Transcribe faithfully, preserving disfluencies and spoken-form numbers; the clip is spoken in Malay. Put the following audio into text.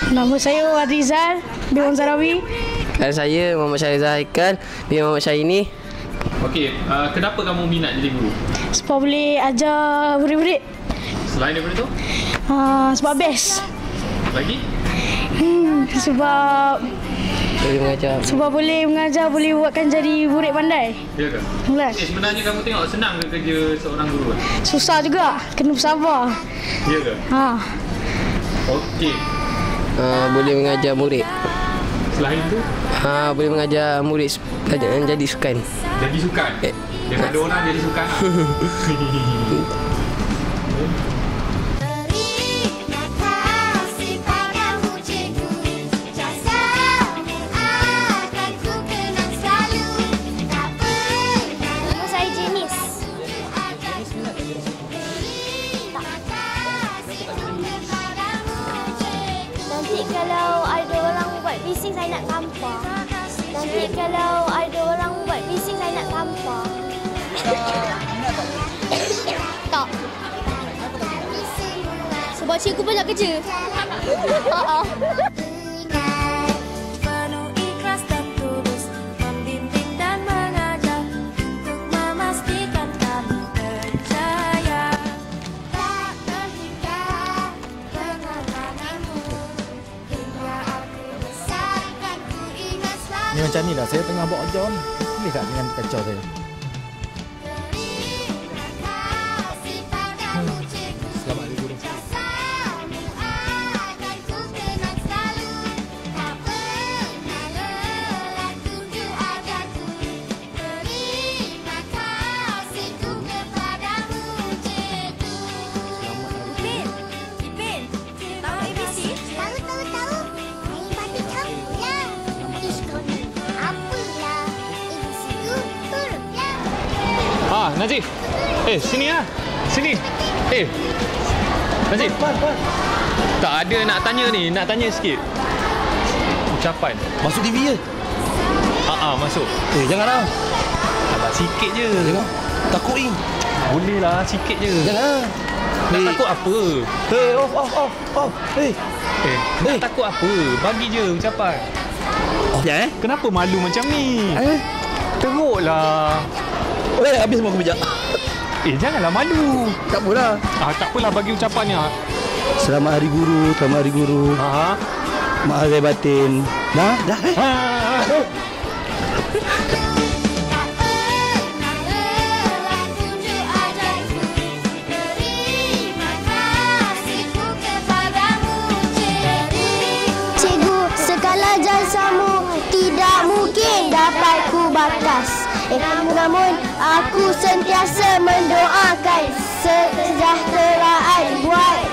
Nama saya Wadrizal bin Muhammad Zarawi. Dan saya Muhammad Syarizal Haikal bin Muhammad Syahini. Okey, uh, kenapa kamu minat jadi guru? Sebab boleh ajar murid-murid. Selain daripada tu? Uh, sebab best. Lagi? Hmm, sebab Boleh mengajar. sebab boleh mengajar, boleh buatkan jadi murid pandai. Ya ke? Mula. Eh, sebenarnya kamu tengok senang ke kerja seorang guru? Susah juga, kena bersabar. Ya ke? Ha. Okey. Uh, boleh mengajar murid. Selain tu, Ha, boleh mengajar murid belajar jadi sukan. jadi sukan. Eh. Daripada orang jadi sukan. Nanti kalau ada orang buat bising saya nak tampar. Nanti kalau ada orang buat bising saya nak tampar. Tak. Sebab cikgu banyak kerja. Ha Penuh ikhlas dan tulus membimbing dan mengajar untuk memastikan kami percaya. Tak terhingga pengalamanmu hingga aku besarkan ku ingat selalu. Ni macam ni lah, saya tengah buat ajar ni. Boleh tak dengan kacau saya? Selamat hari guru. Ah, Najib. Eh, sini lah. Sini. Eh. Najib. Tak ada nak tanya ni, nak tanya sikit. Ucapan. Masuk T V je. Ah, ah, masuk. Eh, janganlah. Sabar sikit je. Jangan. Takut ni. Boleh lah, sikit je. Janganlah. Nak Eh. takut apa? Hey, off, off, off, off. Hey. Eh, nak Eh. takut apa? Bagi je ucapan. Ya, eh? Kenapa malu macam ni? Eh? Teruklah. Eh, habis semua kebejak. Eh, janganlah malu. Tak apalah. Ah, tak apalah bagi ucapannya. Selamat Hari Guru, selamat Hari Guru. Ha. Maaf lahir batin. Dah, dah eh. Ha. Cikgu, segala jasamu tidak mungkin dapat ku batas. Eh, namun aku sentiasa mendoakan kesejahteraan buat